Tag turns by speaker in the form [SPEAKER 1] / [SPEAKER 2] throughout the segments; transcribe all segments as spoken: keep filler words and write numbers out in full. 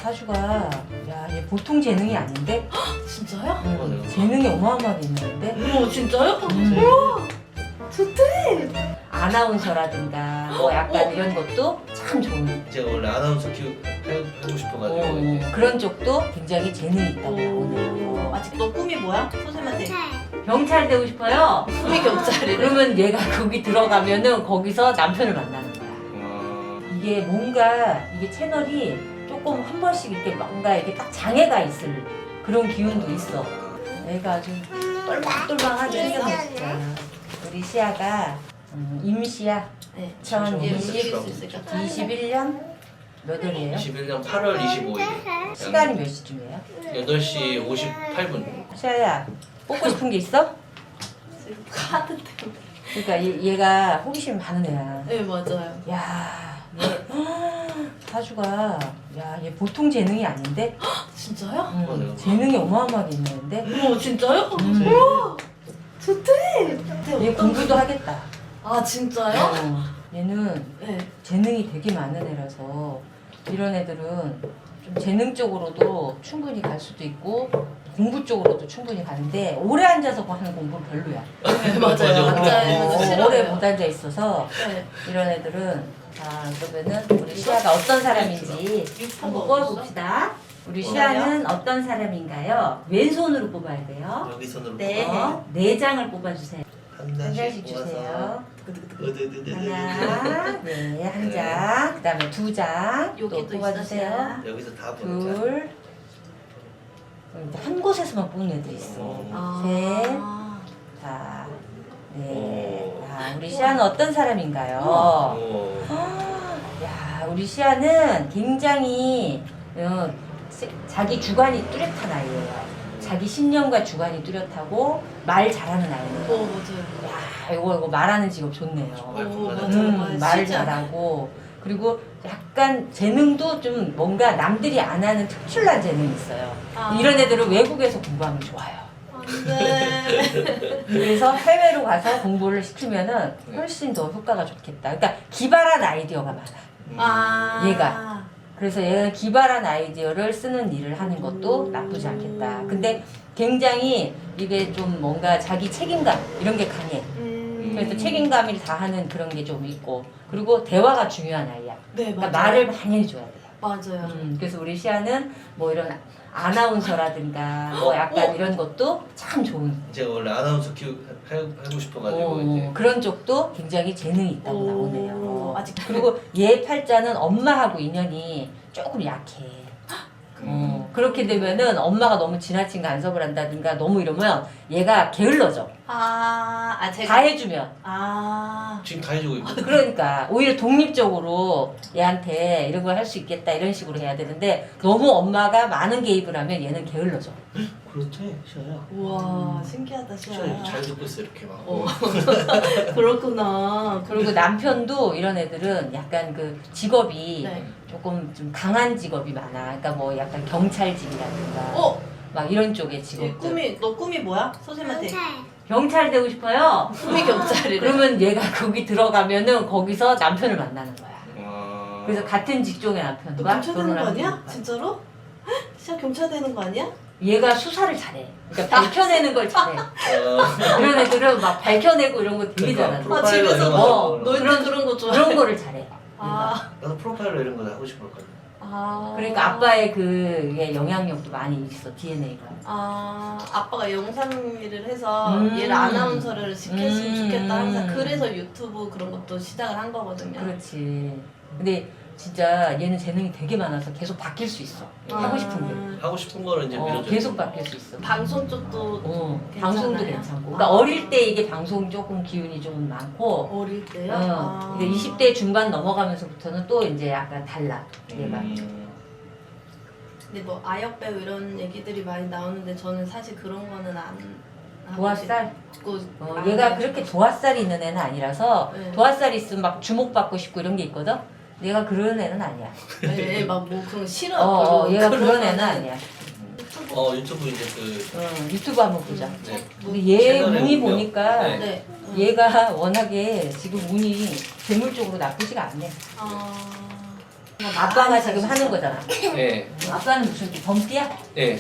[SPEAKER 1] 사주가 야, 얘 보통 재능이 아닌데?
[SPEAKER 2] 진짜요?
[SPEAKER 1] 응, 재능이 어마어마하게 있는데?
[SPEAKER 2] 오 진짜요?
[SPEAKER 1] 음.
[SPEAKER 2] 우와 좋대.
[SPEAKER 1] 아나운서라든가 뭐 약간 이런 것도 참 좋은
[SPEAKER 3] 제가 원래 아나운서 키우 해- 하고 싶어가지고
[SPEAKER 1] 어,
[SPEAKER 3] 이제
[SPEAKER 1] 그런 쪽도 굉장히 재능이 있다고 나오네요.
[SPEAKER 2] 오 아직 너 꿈이 뭐야? 소쌤한테
[SPEAKER 1] 경찰 되고 싶어요?
[SPEAKER 2] 꿈이 경찰이래.
[SPEAKER 1] 그러면 얘가 거기 들어가면은 거기서 남편을 만나는 거야.
[SPEAKER 3] 어,
[SPEAKER 1] 이게 뭔가 이게 채널이 조금 한 번씩 이렇게 뭔가 이렇게 딱 장애가 있을 그런 기운도 있어. 애가 아주 똘망똘망하게 생겼어. 우리 시아가 음, 임시야.
[SPEAKER 2] 네.
[SPEAKER 1] 천
[SPEAKER 2] 얘
[SPEAKER 1] 이십,
[SPEAKER 2] 움직일 수 있을까?
[SPEAKER 1] 이십일 년 몇 월이에요?
[SPEAKER 3] 이십일 년 팔월 이십오일
[SPEAKER 1] 시간이 몇 시쯤이에요?
[SPEAKER 3] 여덟 시 오십팔 분.
[SPEAKER 1] 시아야 뽑고 싶은 게 있어?
[SPEAKER 2] 지금 카드 때문에.
[SPEAKER 1] 그러니까 얘, 얘가 호기심 많은 애야.
[SPEAKER 2] 네 맞아요.
[SPEAKER 1] 야, 얘 사주가 야, 얘 보통 재능이 아닌데?
[SPEAKER 2] 진짜요?
[SPEAKER 1] 응,
[SPEAKER 3] 맞아요.
[SPEAKER 1] 재능이 어마어마하게 있는데?
[SPEAKER 2] 오 진짜요?
[SPEAKER 1] 음.
[SPEAKER 2] 우와 좋대.
[SPEAKER 1] 얘 공부도 하겠다.
[SPEAKER 2] 아 진짜요?
[SPEAKER 1] 어, 얘는
[SPEAKER 2] 네.
[SPEAKER 1] 재능이 되게 많은 애라서 이런 애들은 좀 재능 쪽으로도 충분히 갈 수도 있고 공부 쪽으로도 충분히 가는데 오래 앉아서 하는 공부는 별로야.
[SPEAKER 2] 네 맞아요.
[SPEAKER 3] 맞아.
[SPEAKER 2] 맞아요.
[SPEAKER 1] 어,
[SPEAKER 2] 맞아 싫어요.
[SPEAKER 1] 오래 못 앉아 있어서
[SPEAKER 2] 네.
[SPEAKER 1] 이런 애들은 자 그러면은 우리 시아가 어떤 사람인지 한번 뽑아봅시다. 우리 시아는 어떤 사람인가요? 왼손으로 뽑아야 돼요.
[SPEAKER 3] 여기 손으로
[SPEAKER 2] 네.
[SPEAKER 1] 어, 네 장을 뽑아주세요.
[SPEAKER 3] 한
[SPEAKER 1] 한
[SPEAKER 3] 장씩
[SPEAKER 1] 장씩
[SPEAKER 3] 뽑아서
[SPEAKER 1] 주세요.
[SPEAKER 3] 으드드드드.
[SPEAKER 1] 하나, 네, 한 장. 그다음에 두 장. 또
[SPEAKER 2] 여기도
[SPEAKER 1] 뽑아주세요.
[SPEAKER 2] 있어요.
[SPEAKER 3] 여기서 다 보는
[SPEAKER 1] 둘. 음, 한 곳에서만 뽑는 애들 있어.
[SPEAKER 3] 어.
[SPEAKER 1] 셋.
[SPEAKER 2] 아.
[SPEAKER 1] 자, 네.
[SPEAKER 3] 오.
[SPEAKER 1] 자, 우리 시아는 어떤 사람인가요?
[SPEAKER 3] 오.
[SPEAKER 1] 아, 야, 우리 시아는 굉장히 어, 세- 자기 주관이 뚜렷한 아이예요. 자기 신념과 주관이 뚜렷하고 말 잘하는 아이예요.
[SPEAKER 2] 오 맞아요.
[SPEAKER 1] 야, 이거 이거 말하는 직업 좋네요.
[SPEAKER 2] 오 맞아요.
[SPEAKER 1] 음,
[SPEAKER 2] 맞아요.
[SPEAKER 1] 말
[SPEAKER 2] 진짜.
[SPEAKER 1] 잘하고 그리고 약간 재능도 좀 뭔가 남들이 안 하는 특출난 재능이 있어요.
[SPEAKER 2] 아.
[SPEAKER 1] 이런 애들은 외국에서 공부하면 좋아요.
[SPEAKER 2] 안돼.
[SPEAKER 1] 그래서 해외로 가서 공부를 시키면은 훨씬 더 효과가 좋겠다. 그러니까 기발한 아이디어가 많아.
[SPEAKER 2] 아.
[SPEAKER 1] 얘가. 그래서 얘가 기발한 아이디어를 쓰는 일을 하는 것도 나쁘지 않겠다. 근데 굉장히 이게 좀 뭔가 자기 책임감 이런 게 강해.
[SPEAKER 2] 음.
[SPEAKER 1] 그래서 책임감을 다하는 그런 게 좀 있고 그리고 대화가 중요한 아이야.
[SPEAKER 2] 네
[SPEAKER 1] 그러니까
[SPEAKER 2] 맞아요.
[SPEAKER 1] 말을 많이 해줘야 돼요.
[SPEAKER 2] 맞아요.
[SPEAKER 1] 음, 그래서 우리 시아는 뭐 이런 아나운서라든가 뭐 약간
[SPEAKER 2] 어?
[SPEAKER 1] 이런 것도 참 좋은
[SPEAKER 3] 제가 원래 아나운서 키우 해- 하고 싶어가지고
[SPEAKER 1] 어,
[SPEAKER 3] 이제
[SPEAKER 1] 그런 쪽도 굉장히 재능이 있다고
[SPEAKER 2] 오,
[SPEAKER 1] 나오네요.
[SPEAKER 2] 아직
[SPEAKER 1] 그리고 얘 팔자는 엄마하고 인연이 조금 약해. 어, 그렇게 되면은 엄마가 너무 지나친 간섭을 한다든가 너무 이러면 얘가 게을러져.
[SPEAKER 2] 아, 아 제가
[SPEAKER 1] 다 해주면.
[SPEAKER 2] 아.
[SPEAKER 3] 지금 다 해주고 있고.
[SPEAKER 1] 그러니까 오히려 독립적으로 얘한테 이런 걸 할 수 있겠다 이런 식으로 해야 되는데 너무 엄마가 많은 개입을 하면 얘는 게을러져.
[SPEAKER 3] 그렇지, 시아야.
[SPEAKER 2] 우와 신기하다 시아.
[SPEAKER 3] 시아야 잘 듣고 있어 이렇게 막.
[SPEAKER 2] 어. 그렇구나.
[SPEAKER 1] 그리고 남편도 이런 애들은 약간 그 직업이
[SPEAKER 2] 네.
[SPEAKER 1] 조금 좀 강한 직업이 많아. 그러니까 뭐 약간 경찰직이라든가
[SPEAKER 2] 어?
[SPEAKER 1] 막 이런 쪽의
[SPEAKER 2] 얘
[SPEAKER 1] 직업들.
[SPEAKER 2] 꿈이 너 꿈이 뭐야? 소쌤한테.
[SPEAKER 1] 경찰 되고 싶어요?
[SPEAKER 2] 꿈이 경찰이래.
[SPEAKER 1] 그러면 얘가 거기 들어가면은 거기서 남편을 만나는 거야.
[SPEAKER 3] 어.
[SPEAKER 1] 그래서 같은 직종의
[SPEAKER 2] 너
[SPEAKER 1] 남편과
[SPEAKER 2] 경찰 되는 거
[SPEAKER 1] 결혼을
[SPEAKER 2] 아니야?
[SPEAKER 1] 하는 거야.
[SPEAKER 2] 진짜로? 시아 경찰 되는 거 아니야?
[SPEAKER 1] 얘가 수사를 잘해. 그러니까 밝혀내는 걸 잘해.
[SPEAKER 3] 어.
[SPEAKER 1] 이런 애들은 막 밝혀내고 이런 거 되게
[SPEAKER 3] 그러니까
[SPEAKER 1] 잘하는
[SPEAKER 3] 프로-
[SPEAKER 1] 거야.
[SPEAKER 2] 아 집에서
[SPEAKER 3] 이런 거
[SPEAKER 2] 뭐
[SPEAKER 3] 하고
[SPEAKER 2] 너희들
[SPEAKER 1] 그런-
[SPEAKER 2] 그런 거 좋아.
[SPEAKER 1] 그런 거를 잘해. 얘가.
[SPEAKER 2] 아.
[SPEAKER 3] 나도 프로파일러 이런 거 하고 싶었거든.
[SPEAKER 2] 아.
[SPEAKER 1] 그러니까 아빠의 그 이게 영향력도 많이 있어 디엔에이가.
[SPEAKER 2] 아 아빠가 영상 일을 해서
[SPEAKER 1] 음.
[SPEAKER 2] 얘를 아나운서를 시켰으면
[SPEAKER 1] 음.
[SPEAKER 2] 좋겠다 항상 그래서 유튜브 그런 것도 시작을 한 거거든요.
[SPEAKER 1] 그렇지. 근데 진짜 얘는 재능이 되게 많아서 계속 바뀔 수 있어. 하고 싶은 게.
[SPEAKER 3] 하고 싶은 거는 이제
[SPEAKER 1] 어,
[SPEAKER 3] 밀어줘.
[SPEAKER 1] 계속 바뀔 수 있어.
[SPEAKER 2] 방송 쪽도
[SPEAKER 1] 어,
[SPEAKER 2] 괜찮아요?
[SPEAKER 1] 방송도 괜찮고. 그러니까
[SPEAKER 2] 아.
[SPEAKER 1] 어릴 때 이게 방송 조금 기운이 좀 많고,
[SPEAKER 2] 어릴 때요?
[SPEAKER 1] 어,
[SPEAKER 2] 아.
[SPEAKER 1] 이제 이십 대 중반 넘어가면서부터는 또 이제 약간 달라. 얘가.
[SPEAKER 3] 음.
[SPEAKER 2] 근데 뭐 아역 배우 이런 얘기들이 많이 나오는데 저는 사실 그런 거는 안 하고
[SPEAKER 1] 도화살?
[SPEAKER 2] 싶고
[SPEAKER 1] 어,
[SPEAKER 2] 안
[SPEAKER 1] 얘가
[SPEAKER 2] 하고
[SPEAKER 1] 그렇게
[SPEAKER 2] 싶고.
[SPEAKER 1] 도화살이 있는 애는 아니라서
[SPEAKER 2] 네.
[SPEAKER 1] 도화살이 있으면 막 주목받고 싶고 이런 게 있거든? 얘가 그런 애는 아니야.
[SPEAKER 2] 네, 막뭐 그런 거 싫어.
[SPEAKER 1] 어, 어, 얘가
[SPEAKER 2] 그런
[SPEAKER 1] 그런 애는
[SPEAKER 2] 거는
[SPEAKER 1] 아니야.
[SPEAKER 2] 유튜브.
[SPEAKER 3] 어 유튜브 이제 그
[SPEAKER 1] 응, 유튜브 한번 보자.
[SPEAKER 3] 네.
[SPEAKER 1] 근데 얘
[SPEAKER 3] 채널에
[SPEAKER 1] 운이
[SPEAKER 3] 보면,
[SPEAKER 1] 보니까
[SPEAKER 3] 네.
[SPEAKER 2] 네. 응.
[SPEAKER 1] 얘가 워낙에 지금 운이 재물 쪽으로 나쁘지가 않네.
[SPEAKER 2] 아.
[SPEAKER 1] 아빠가 지금 하는 거잖아.
[SPEAKER 3] 예.
[SPEAKER 1] 아빠는 무슨 범띠야?
[SPEAKER 3] 예.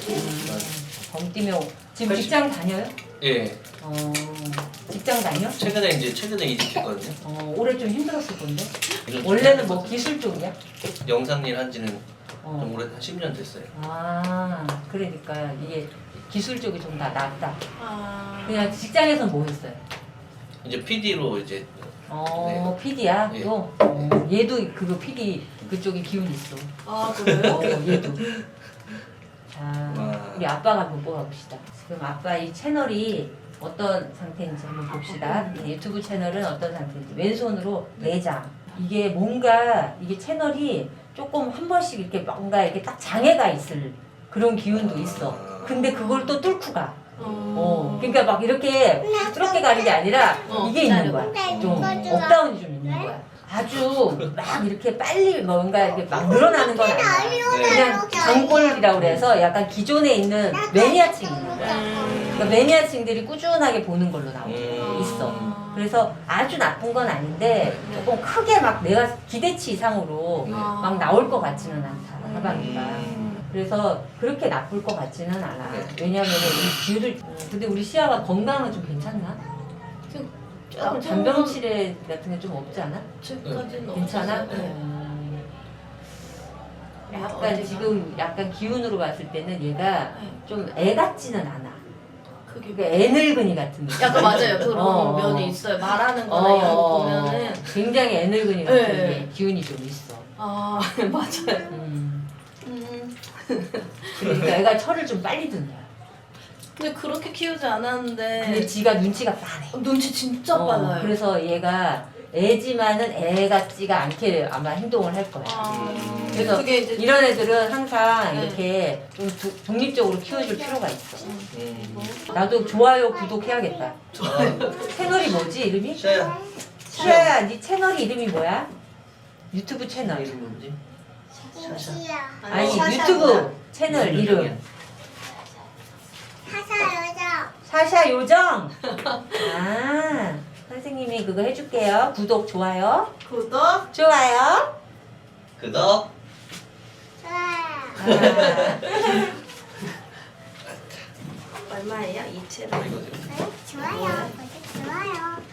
[SPEAKER 1] 범띠면 지금
[SPEAKER 3] 팔십.
[SPEAKER 1] 직장 다녀요?
[SPEAKER 3] 예.
[SPEAKER 1] 어, 직장 다녀?
[SPEAKER 3] 최근에 이제 최근에 이직했거든요.
[SPEAKER 1] 어, 올해 좀 힘들었을 건데. 원래는 뭐 기술 쪽이야?
[SPEAKER 3] 영상 일 한지는 좀
[SPEAKER 1] 어.
[SPEAKER 3] 오래 한 십 년 됐어요.
[SPEAKER 1] 아, 그러니까 이게 기술 쪽이 좀 다 낫다.
[SPEAKER 2] 아.
[SPEAKER 1] 그냥 직장에서 뭐 했어요?
[SPEAKER 3] 이제 피디로 이제
[SPEAKER 1] 어, 피디야?
[SPEAKER 3] 예.
[SPEAKER 1] 또? 어, 얘도 그거 피디 그쪽에 기운 있어.
[SPEAKER 2] 아 그래요?
[SPEAKER 1] 어, 얘도. 자,
[SPEAKER 3] 와.
[SPEAKER 1] 우리 아빠가 한번 뽑아봅시다. 지금 아빠 이 채널이 어떤 상태인지 한번 봅시다. 이 유튜브 채널은 어떤 상태인지. 왼손으로 네 장. 이게 뭔가, 이게 채널이 조금 한 번씩 이렇게 뭔가 이렇게 딱 장애가 있을 그런 기운도 있어. 근데 그걸 또 뚫고 가. 어, 그러니까 막 이렇게 뚫게 가는 게 아니라
[SPEAKER 2] 어,
[SPEAKER 1] 이게 있는 거야.
[SPEAKER 2] 기다려봐.
[SPEAKER 1] 좀 업다운이 좀 있는 거야. 아주 막 이렇게 빨리 뭔가 이렇게 막 늘어나는 건 아니야. 그냥 장골이라고 그래서 약간 기존에 있는 매니아층이 있는 거야. 그러니까 매니아층들이 꾸준하게 보는 걸로 나오고
[SPEAKER 3] 음.
[SPEAKER 1] 있어. 그래서 아주 나쁜 건 아닌데 조금 크게 막 내가 기대치 이상으로
[SPEAKER 2] 아.
[SPEAKER 1] 막 나올 것 같지는 않다. 하반기가.
[SPEAKER 3] 음.
[SPEAKER 1] 그래서 그렇게 나쁠 것 같지는 않아.
[SPEAKER 3] 네.
[SPEAKER 1] 왜냐면은 이 뷰를 음, 근데 우리 시아가 건강은 좀 괜찮나? 조금 잔병 치레 같은 게 좀 없지 않아?
[SPEAKER 2] 지금까지는
[SPEAKER 1] 괜찮아?
[SPEAKER 2] 없었어요. 네.
[SPEAKER 1] 음,
[SPEAKER 2] 네,
[SPEAKER 1] 약간
[SPEAKER 2] 어디가?
[SPEAKER 1] 지금 약간 기운으로 봤을 때는 얘가
[SPEAKER 2] 네.
[SPEAKER 1] 좀 애 같지는 않아.
[SPEAKER 2] 그게
[SPEAKER 1] 그러니까 애 늙은이 같은 느낌.
[SPEAKER 2] 약간 맞아요. 그런
[SPEAKER 1] 어,
[SPEAKER 2] 면이
[SPEAKER 1] 어.
[SPEAKER 2] 있어요. 말하는
[SPEAKER 1] 어,
[SPEAKER 2] 거나 이런 거
[SPEAKER 1] 어,
[SPEAKER 2] 보면은
[SPEAKER 1] 굉장히 애 늙은이 같은
[SPEAKER 2] 네.
[SPEAKER 1] 게 기운이 좀 있어.
[SPEAKER 2] 아 맞아요.
[SPEAKER 1] 음,
[SPEAKER 2] 음.
[SPEAKER 1] 그러니까 애가 철을 좀 빨리 든다.
[SPEAKER 2] 근데 그렇게 키우지 않았는데
[SPEAKER 1] 근데 지가 눈치가 빠네.
[SPEAKER 2] 눈치 진짜
[SPEAKER 1] 어,
[SPEAKER 2] 빨라요.
[SPEAKER 1] 그래서 얘가 애지만은 애 같지가 않게 아마 행동을 할 거야.
[SPEAKER 2] 아,
[SPEAKER 1] 그래서
[SPEAKER 2] 그게 이제
[SPEAKER 1] 이런 애들은 항상
[SPEAKER 2] 네.
[SPEAKER 1] 이렇게 좀 두- 독립적으로 키워줄 필요가 있어.
[SPEAKER 3] 음.
[SPEAKER 1] 나도 좋아요, 구독해야겠다.
[SPEAKER 3] 아,
[SPEAKER 1] 채널이 뭐지, 이름이?
[SPEAKER 3] 샤야.
[SPEAKER 1] 시아야, 네 채널 이름이 뭐야? 유튜브 채널.
[SPEAKER 3] 이름 뭐지? 샤샤.
[SPEAKER 1] 아니,
[SPEAKER 2] 샤샤구나.
[SPEAKER 1] 유튜브 채널
[SPEAKER 3] 무슨
[SPEAKER 1] 이름.
[SPEAKER 3] 요정이야?
[SPEAKER 1] 사샤 요정. 아, 선생님이 그거 해줄게요. 구독, 좋아요.
[SPEAKER 2] 구독.
[SPEAKER 1] 좋아요.
[SPEAKER 3] 그덕.
[SPEAKER 1] 아,
[SPEAKER 2] 얼마예요? 이 채널.
[SPEAKER 3] 이거죠.
[SPEAKER 4] 좋아요. 좋아요.